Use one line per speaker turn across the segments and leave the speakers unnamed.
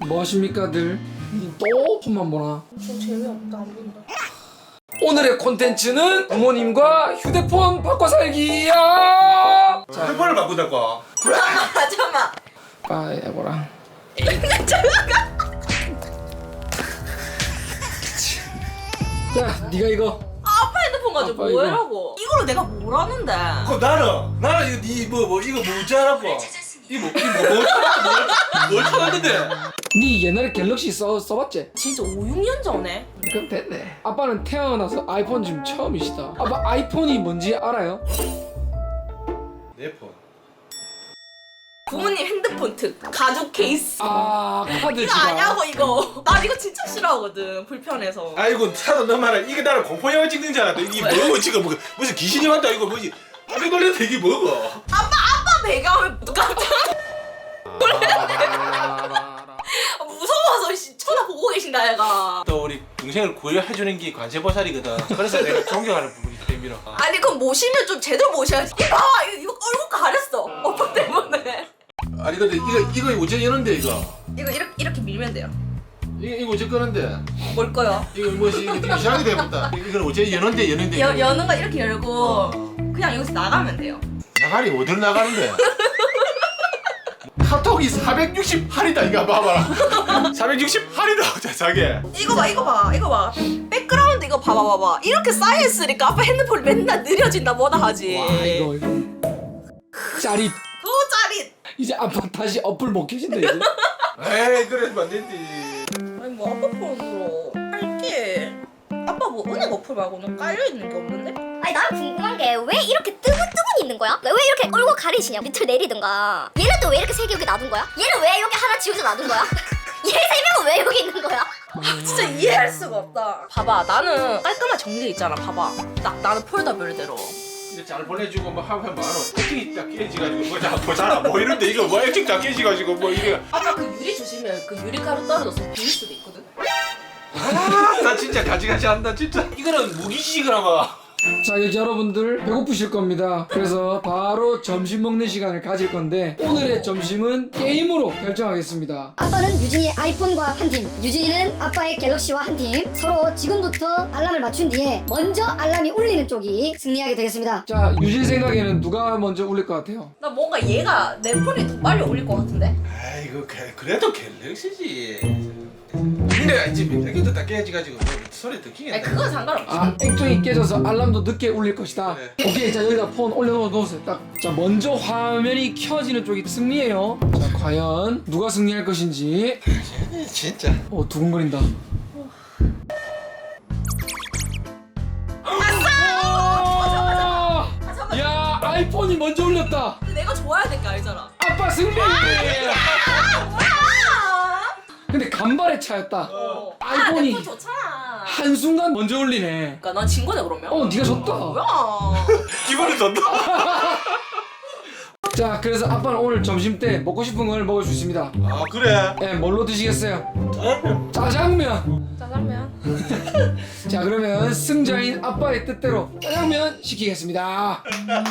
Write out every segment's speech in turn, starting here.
뭐 하십니까들? 또 폰만 보나?
좀 재미없다 안 본다.
오늘의 콘텐츠는 부모님과 휴대폰 바꿔 살기야. 자,
핸드폰을 바꾸자고.
잠깐만.
빠이 해보라. 자, 네가 이거.
아빠 핸드폰 가지고
아빠
뭐
이거.
해라고? 이거를 내가 뭘 하는데?
그럼 나는 이거 이거 뭐지 하라고. 뭘 찾았는데?
네 옛날에 갤럭시 써봤지?
진짜 5, 6년 전에?
그럼 됐네. 아빠는 태어나서 아이폰 지금 처음이시다. 아빠 아이폰이 뭔지 알아요?
내 폰.
부모님 핸드폰 특 가죽 케이스.
아, 카드
이거
지갑.
아냐고 이거. 난 이거 진짜 싫어하거든. 불편해서.
아이고 차도 너 말아. 이게 나를 공포 영화 찍는 줄 알았다. 이게 뭐고 지금 무슨 귀신이 왔다 이거 뭐지? 아비 걸렸다 이게 뭐고?
아빠 배경을 깜짝 무서워서 쳐다보고 계신다 얘가.
또 우리 동생을 구해주는 게 관세보살이거든. 그래서 내가 존경하는 부분이 때문에.
아니 그럼 모시면 좀 제대로 모셔야지. 이거 봐 이거 얼굴 가렸어. 오빠 때문에.
아니 근데 이거 어째 여는데 이거?
이거 이렇게 밀면 돼요.
이거 어째 끄는데?
뭘 거요?
이거 뭐지? 이거 되게 이상하게 돼버렸다. 이건 어째 여는데
여는 거 이렇게 열고 그냥 여기서 나가면 돼요.
나가리 어디로 나가는데? 카톡이 468이다 이거 봐봐라. 468이다 자게.
이거 봐. 백그라운드 이거 봐봐. 이렇게 쌓여있으니까 아빠 핸드폰 맨날 느려진다 뭐다 하지.
와, 이거. 짜릿.
그거 짜릿.
이제 아빠 다시 어플 못 켜진다 이제.
에이 그러면 안 되지.
아니 뭐 아빠 폰으로 할게. 아빠 뭐 은행 어플 말고는 깔려있는 게 없는데?
아니 난 궁금한 게 왜 이렇게 뜨문뜨문 있는 거야? 왜 이렇게 얼굴 가리시냐? 밑을 내리든가. 얘는 또 왜 이렇게 세 개 여기 놔둔 거야? 얘는 왜 여기 하나 지우져 놔둔 거야? 얘 세 명은 왜 여기 있는 거야?
진짜 이해할 수가 없다. 봐봐 나는 깔끔하게 정리 있잖아. 봐봐 딱 나는 폴더별대로.
이제 잘 보내주고 뭐 하면 뭐하노? 액정이 딱 깨지가지고 뭐잘안 보이는데 이거 뭐 액정 다 깨지가지고 뭐 이게.
아까 그 유리 주시면 그 유리가루 떨어져서 비릴 수도 있거든.
나 진짜 가지가지 한다 진짜. 이거는 무기식을 아마.
자, 이제 여러분들 배고프실 겁니다. 그래서 바로 점심 먹는 시간을 가질 건데 오늘의 점심은 게임으로 결정하겠습니다.
아빠는 유진이의 아이폰과 한 팀, 유진이는 아빠의 갤럭시와 한 팀. 서로 지금부터 알람을 맞춘 뒤에 먼저 알람이 울리는 쪽이 승리하게 되겠습니다.
자, 유진 생각에는 누가 먼저 울릴 것 같아요?
나 뭔가 얘가 내 폰이 더 빨리 올릴 것 같은데?
아이고 그래도 갤럭시지. 근데 이제 몇개도 다 깨지가지고 뭐 소리 듣기겠다.
아니 그건 상관없지.
아, 액정이 깨져서 알람도 늦게 울릴 것이다.
네.
오케이, 자 여기다 폰 올려놓으세요. 딱, 자 먼저 화면이 켜지는 쪽이 승리예요. 자, 과연 누가 승리할 것인지.
진짜.
두근거린다.
아, 잠깐만.
야, 아이폰이 먼저 울렸다.
근데 내가 좋아야 될 게 알잖아.
아빠 승리.
아 뭐야?
근데 간발의 차였다.
아이폰이
아이폰이
내 폰 좋잖아.
한순간 먼저 울리네.
그러니까 난 진 거네 그러면.
네가 졌다.
뭐야?
기분이 좋다.
자, 그래서 아빠는 오늘 점심 때 먹고 싶은 걸 먹을 수 있습니다.
아 그래?
네, 뭘로 드시겠어요? 짜장면.
짜장면.
자, 그러면 승자인 아빠의 뜻대로 짜장면 시키겠습니다.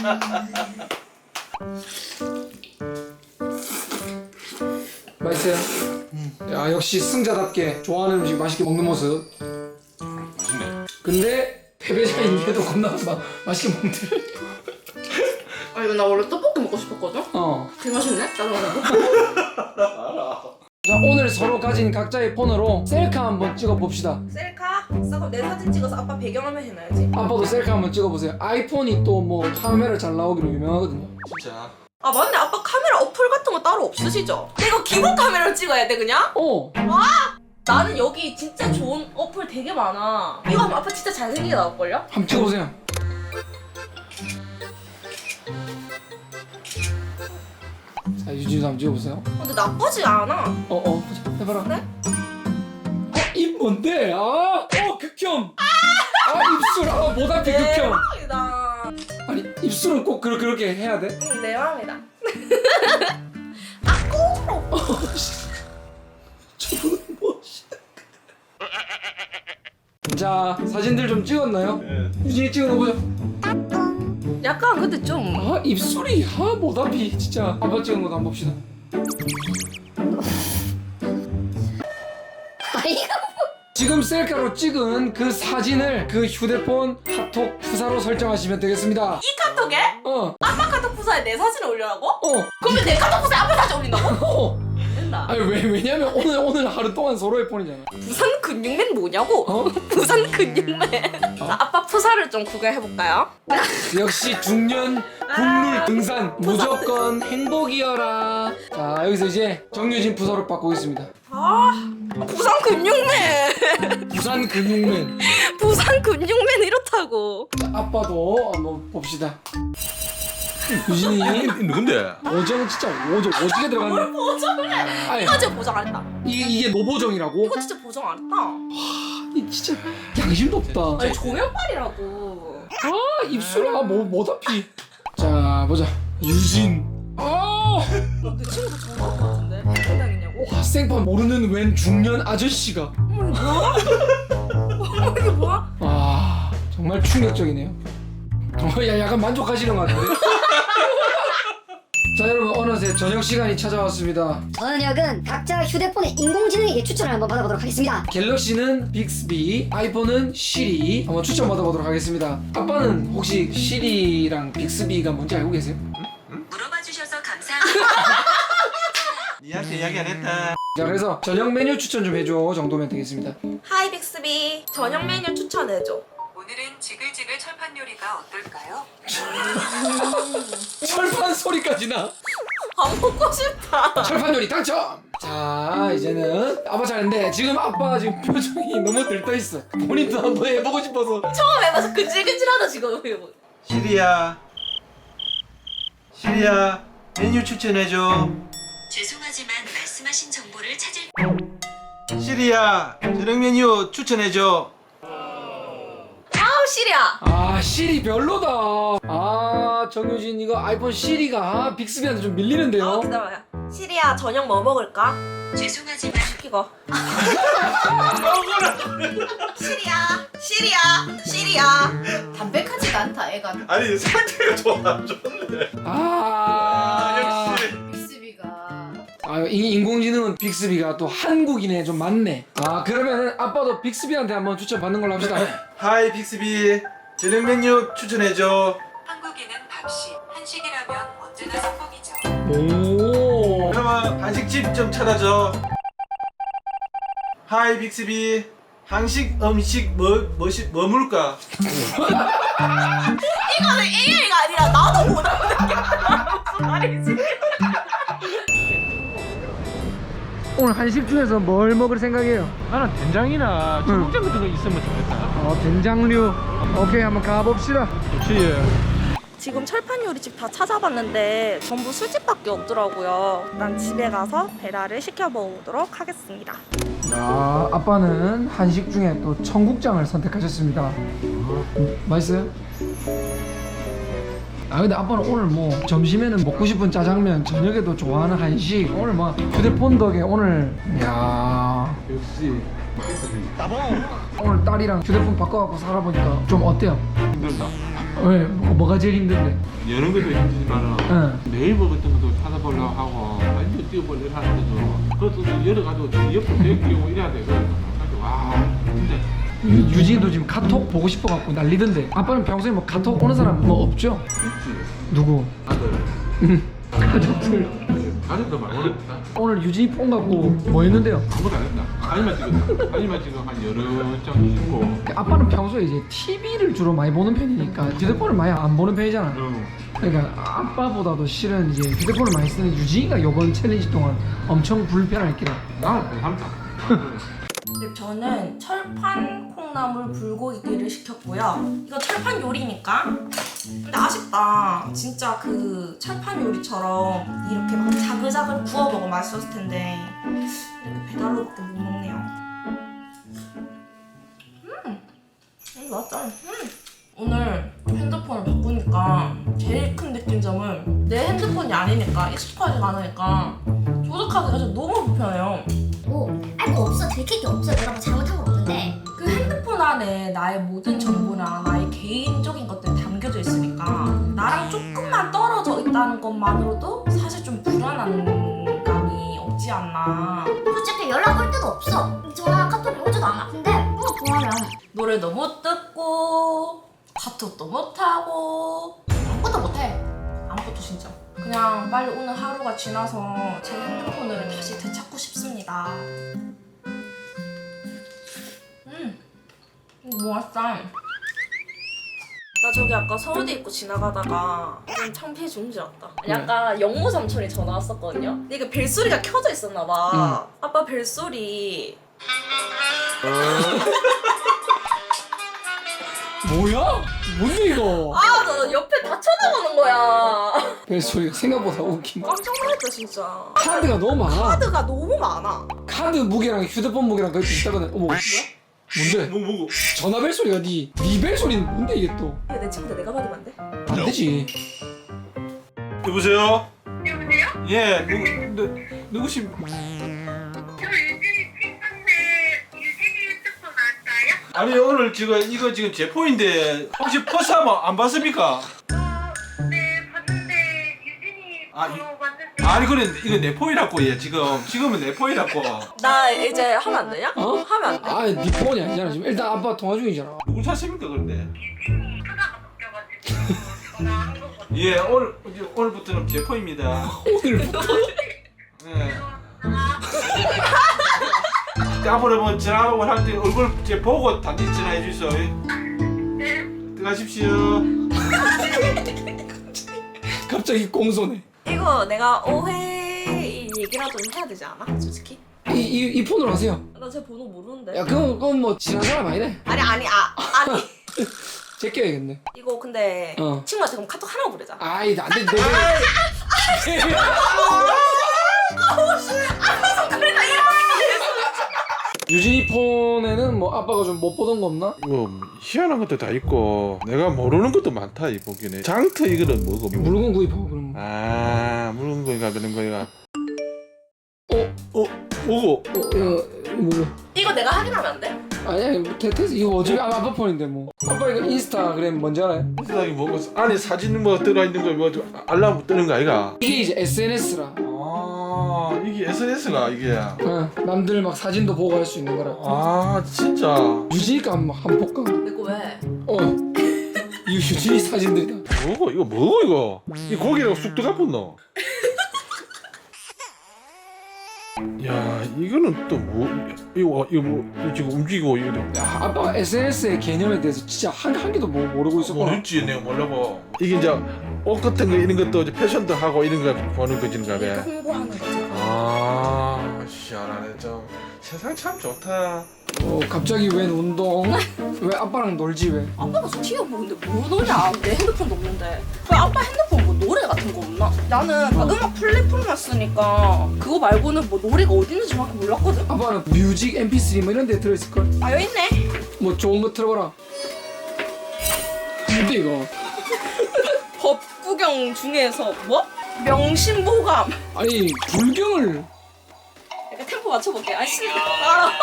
맛있어요? 야, 역시 승자답게 좋아하는 음식 맛있게 먹는 모습.
맛있네.
근데 패배자인데도 겁나 맛있게 먹네.
아 이거 나 원래 떡볶이 먹고 싶었거든? 되게 맛있네? 짜장면.
자, 오늘 서로 가진 각자의 폰으로 셀카 한번 찍어 봅시다.
셀카? 그럼 내 사진 찍어서 아빠 배경화면 해놔야지.
아빠도 셀카 한번 찍어 보세요. 아이폰이 또 뭐 카메라 잘 나오기로 유명하거든요.
진짜.
아 맞네 아빠 카메라 어플 같은 거 따로 없으시죠? 이거 기본 카메라로 찍어야 돼 그냥? 나는 여기 진짜 좋은 어플 되게 많아. 이거 하면 아빠 진짜 잘생기게 나올걸요?
한번 찍어 보세요. 자, 유진이도 한번 찍어 보세요.
근데 나쁘지 않아.
보자. 해봐라.
그래?
입 뭔데? 극혐. 입술. 모다피 극혐.
대박이다.
아니, 입술은 꼭 그렇게 해야 돼?
응, 내 맘이다.
저분은 뭐? 자, 사진들 좀 찍었나요?
네.
유진이 찍어놓보자.
약간 근데 좀
입술이 모다피 진짜. 아빠 찍은 것도 한번 봅시다.
이거
지금 셀카로 찍은 그 사진을 그 휴대폰 카톡 프사로 설정하시면 되겠습니다.
이 카톡에
어.
아빠 카톡 부사에 내 사진을 올리라고?
어.
그러면 내 카톡 부사에 아빠 사진 올린다고?
어.
된다.
아니 왜냐면 오늘 하루 동안 서로의 폰이잖아.
부산 근육맨 뭐냐고?
어?
부산 근육맨. 자, 아빠 푸사를 좀 구경해볼까요?
역시 중년 국룰 등산 무조건 행복이여라. 자 여기서 이제 정유진 부서를 받고 있습니다.
부산 근육맨.
부산 근육맨.
부산 근육맨 이렇다고.
자, 아빠도 한번 봅시다. 유진이
누군데?
오정 진짜 오지게 들어갔네.
보정을 해.
아니,
이거 진짜 보정 안 했다.
이게 노보정이라고?
이거 진짜 보정 안 했다.
이 진짜 양심도 없다.
아니 조명빨이라고.
아 입술아 뭐 어차피. 자 보자. 유진.
내 친구도 정말 것 같은데. 어떻게 당했냐고?
와 생판 모르는 웬 중년 아저씨가.
이게 뭐야?
아 정말 충격적이네요. 야 약간 만족하시는 것 같은데. 자 여러분 어느새 저녁 시간이 찾아왔습니다.
저녁은 각자 휴대폰의 인공지능에게 추천을 한번 받아보도록 하겠습니다.
갤럭시는 빅스비, 아이폰은 시리 한번 추천 받아보도록 하겠습니다. 아빠는 혹시 시리랑 빅스비가 뭔지 알고 계세요?
물어봐 주셔서 감사합니다.
니한테 이야기 안 했다.
자 그래서 저녁 메뉴 추천 좀 해줘 정도면 되겠습니다.
하이 빅스비. 저녁 메뉴 추천해줘.
오늘은 지글지글 철판 요리가 어떨까요?
철판 소리까지 나.
안 먹고 싶다.
철판 요리 당첨. 자 이제는 아빠 차례인데 지금 아빠 지금 표정이 너무 들떠 있어. 본인도 한번 해보고 싶어서.
처음 해봐서 근질근질하다 지금.
시리야 메뉴 추천해줘.
죄송하지만 말씀하신 정보를 찾을
시리야 저녁 메뉴 추천해줘.
아우 시리야.
아 시리 별로다. 아 정유진 이거 아이폰 시리가 빅스비한테 좀 밀리는데요.
기다려요. 시리야 저녁 뭐 먹을까?
죄송하지만
이거. 시리야. 담백하지가 않다 애가.
아니 상태가 좋아 좋네.
아
역시.
빅스비가
아 인공지능은 빅스비가 또 한국인에 좀 많네. 아 그러면은 아빠도 빅스비한테 한번 추천 받는 걸로 합시다.
하이 빅스비 저녁 메뉴 추천해줘.
한국인은 밥식, 한식이라면 언제나 성공이죠.
오.
그러면 한식집 좀 찾아줘. 하이 빅스비 한식 음식 뭐 물까?
이거는 AI가 아니라 나도 못 하는 게 무슨 말이지?
오늘 한식 중에서 뭘 먹을 생각이에요?
나는 된장이나 청국장 같은 거 있으면 좋겠다.
된장류. 오케이 한번 가봅시다.
좋지.
지금 철판 요리집 다 찾아봤는데 전부 술집밖에 없더라고요. 난 집에 가서 배달을 시켜 먹도록 하겠습니다.
아 아빠는 한식 중에 또 청국장을 선택하셨습니다. 맛있어요? 아 근데 아빠는 오늘 뭐 점심에는 먹고 싶은 짜장면, 저녁에도 좋아하는 한식. 오늘 뭐 휴대폰 덕에 오늘 야
역시
오늘 딸이랑 휴대폰 바꿔갖고 살아보니까 좀 어때요?
힘들다.
왜? 뭐가 제일 힘든데?
여는 것도 힘들지만
응.
네이버 같은 것도 찾아보려고 하고 완전 뛰어보려고 하는데도 그것도 열어가지고 옆으로 대기고 이래야 돼. 그래서 와 근데
유진이도 지금 카톡 보고 싶어갖고 난리던데. 아빠는 평소에 뭐 카톡 오는 사람 뭐 없죠?
있지.
누구?
아들
가족들.
가족도 많이 어렵다.
오늘 유진이 폰 갖고 뭐 했는데요?
아무것도 안 했다. 사진만 찍었다. 사진만 찍어 한 여러 장 찍고.
아빠는 평소에 이제 TV를 주로 많이 보는 편이니까 휴대폰을 많이 안 보는 편이잖아. 그러니까 아빠보다도 실은 이제 휴대폰을 많이 쓰는 유진이가 이번 챌린지 동안 엄청 불편할 기라.
나는 괜찮다.
근데 저는 철판 콩나물 불고기를 시켰고요. 이거 철판 요리니까. 근데 아쉽다. 진짜 그 철판 요리처럼 이렇게 막 자글자글 구워 먹으면 맛있었을 텐데 이렇게 배달로밖에 못 먹네요. 맞다. 오늘 핸드폰을 바꾸니까 제일 큰 느낀점은 내 핸드폰이 아니니까 익숙하지가 않으니까 조작하기가 진짜 너무 불편해요.
아니 뭐 없어. 들킬 게 없어. 내가 뭐 잘못한 건 없는데.
그 핸드폰 안에 나의 모든 정보나 나의 개인적인 것들이 담겨져 있으니까 나랑 조금만 떨어져 있다는 것만으로도 사실 좀 불안한 감이 없지 않나.
솔직히 연락 올 때도 없어. 전화 하나도 안 아픈데 또 좋아하면
노래도 못 듣고 카톡도 못 하고 아무것도 못해. 아무것도 진짜. 그냥 빨리 오늘 하루가 지나서 제 핸드폰을 다시 되찾고 싶습니다. 뭐 왔어? 나 저기 아까 서울대 입고 지나가다가 좀 창피해 죽는 줄 알았다. 아니 아까 영모 삼촌이 전화 왔었거든요. 근데 이게 벨소리가 켜져 있었나 봐. 아빠 벨소리.
뭐야? 뭔데 이거?
아, 나 옆에 다 쳐다보는 거야.
벨소리가 생각보다 웃긴 거.
깜짝 놀랐다 진짜.
카드가 너무 많아.
카드가 너무 많아.
카드 무게랑 휴대폰 무게랑 거의 비슷하거든. 어머. 뭐야? 뭔데?
뭐고?
전화 벨소리가 네 벨소리는 뭔데 이게 또?
야, 내 친구들 내가 받으면 안 돼?
안 되지.
여보세요?
여보세요?
예, 누구신?
저 유진이 친구인데 유진이 핸드폰 왔어요?
아니 오늘 이거 지금 제포인데 혹시 버스 한번 안 봤습니까?
네 봤는데 유진이
아,
왔는데
아니 그래 이거 내 포이라고 얘 지금은 내 포이라고.
나 이제 하면 안 되냐?
어?
하면 안 돼.
아, 네 폰이 아니잖아 지금. 일단 아빠 통화 중이잖아.
누구 찾습니까 그런데?
유진이 휴가가 바뀌어가지고 전화한 거거든요.
예, 오늘부터는 제 포입니다.
오늘부터?
예. 앞으로 뭐 전화번호 할 때 얼굴 제 보고 단지 전화해 주세요.
네.
들어가십시오.
갑자기 공손해.
이거 내가 오해 얘기라도 해야 되지 않아? 솔직히?
이 폰으로 하세요.
나 제 번호 모르는데.
야, 그건 뭐 지난 사람 아니네.
아니.
제껴야겠네.
이거 근데
어.
친구한테 그럼 카톡 하라고 보내자.
아이, 안 돼. 내가 유진이 폰에는 뭐 아빠가 좀 못 보던 거 없나?
뭐 희한한 것도 다 있고 내가 모르는 것도 많다 이 보기는. 장터 이거는 뭐고?
물건 구입하고 그런 거.
아 물건 거이가 그런 거이가. 뭐고?
이거 뭐고?
이거 내가 확인하면 안 돼?
아니야, 뭐 테스 이거 어차피 아빠 폰인데 뭐. 아빠 이거 인스타그램 뭔지 알아요?
세상에 뭐고 안에 사진 뭐 들어 있는 거 뭐 알람 뜨는 거 아이가?
이게 이제 SNS라.
아 이게 SNS가 이게.
남들 막 사진도 보고 할 수 있는 거라.
아 진짜.
유진이가 한번 볼까?
내 거 왜?
이 유진이 사진들이다.
뭐고 이거? 이 고기라고 쑥 들어가 붙노? 야 이거는 또 뭐 이거 뭐 지금 움직이고 이거
야, 아빠가 SNS의 개념에 대해서 진짜 한 개도 모르고 있었구나.
모르지 내가 몰라고. 이게 이제 옷 같은 거 이런 것도 이제 패션도 하고 이런 거 보는 거지인가
그러니까
봐.
홍보하는 거지.
아 시원하네 좀. 세상 참 좋다.
갑자기 웬 운동? 왜 아빠랑 놀지 왜?
아빠가 저 TV 보는데 뭐 노냐? 내 핸드폰도 없는데. 왜 아빠 핸드폰 뭐 노래 같은 거 없나? 나는 다 음악 플랫폼만 쓰니까 그거 말고는 뭐 노래가 어디 있는지 정확히 몰랐거든.
아빠는 뮤직, MP3 뭐 이런 데 들어있을걸?
아 여기 있네.
뭐 좋은 거 틀어봐라. 뭔데 이거?
법 구경 중에서 뭐? 명심보감.
아니 불경을
약간 템포 맞춰볼게. 아 신나. 아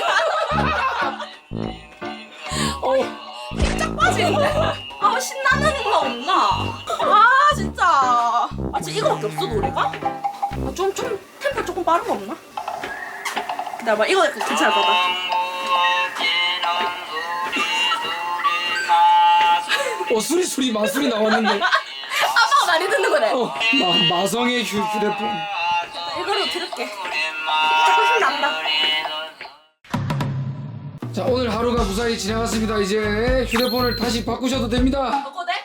오마이갓. 쫙 빠지는데? 아 신나는 음악 없나? 아 진짜. 아 진짜 이거밖에 없어 노래가? 아, 좀 템포 조금 빠른 거 없나? 기다려봐 이거 약간 괜찮을 것 같다.
수리 마술이 나왔는데.
아빠가 많이 듣는 거네.
마성의 휴대폰.
이거로 들을게. 조금 신난다.
자, 오늘 하루가 무사히 지나갔습니다. 이제 휴대폰을 다시 바꾸셔도 됩니다.
바꿔도 돼?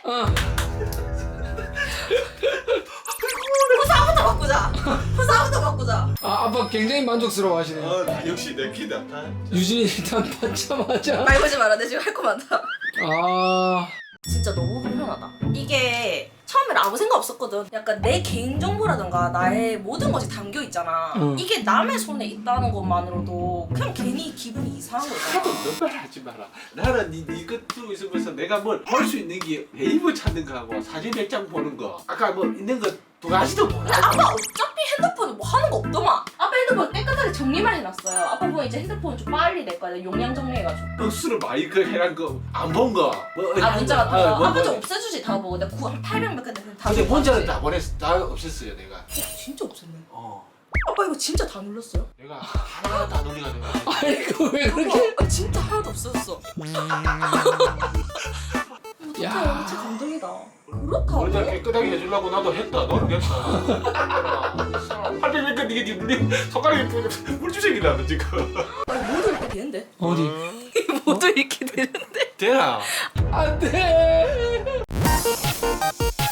어.
후사부터 바꾸자. 후사부터 바꾸자.
아빠 굉장히 만족스러워 하시네요.
역시 내 키다.
유진이 일단 받자마자.
말 걸지 마라. 내 지금 할 거 많다.
아.
진짜 너무 불편하다. 이게 처음엔 아무 생각 없었거든. 약간 내 개인정보라든가 나의 모든 것이 담겨 있잖아. 이게 남의 손에 있다는 것만으로도 그냥 괜히 기분이 이상한 거잖아.
너말 하지 마라. 나는 이거 들고 있으면서 내가 뭘 볼 수 있는 게 네이버 찾는 거하고 사진 몇 장 보는 거. 아까 뭐 있는 거 두 가지도 몰라.
근데 아빠 어차피 핸드폰에 뭐 하는 거 없더만. 아빠 핸드폰 깨끗하게 정리만 해놨어요. 아빠 보면 이제 핸드폰 좀 빨리 낼 거야. 용량 정리해가지고.
억수로 마이크 해란 거 안 본 거.
아 문자 같은 거.
뭐,
아빠 좀 없애주지 다 보고. 내가 800몇 개 됐는데 다.
근데
좀
문자는
봤지.
다 보냈어. 다 없앴어요 내가.
진짜 없앴네.
어.
아빠 이거 진짜 다 눌렀어요?
내가 하나하나 다 놀리가 내가.
아니 그거 왜 그렇게?
진짜 하나도 없어졌어.
야.
진짜 감동이다. 그렇다고?
원래 깨끗하게 해주려고 나도 했다. 너는 됐다. 하필 그러니까 이게 손가락에 물주색이 나는 지금.
아니, 모두 이렇게 되는데?
어디?
모두 이렇게 되는데?
되나?
안 돼.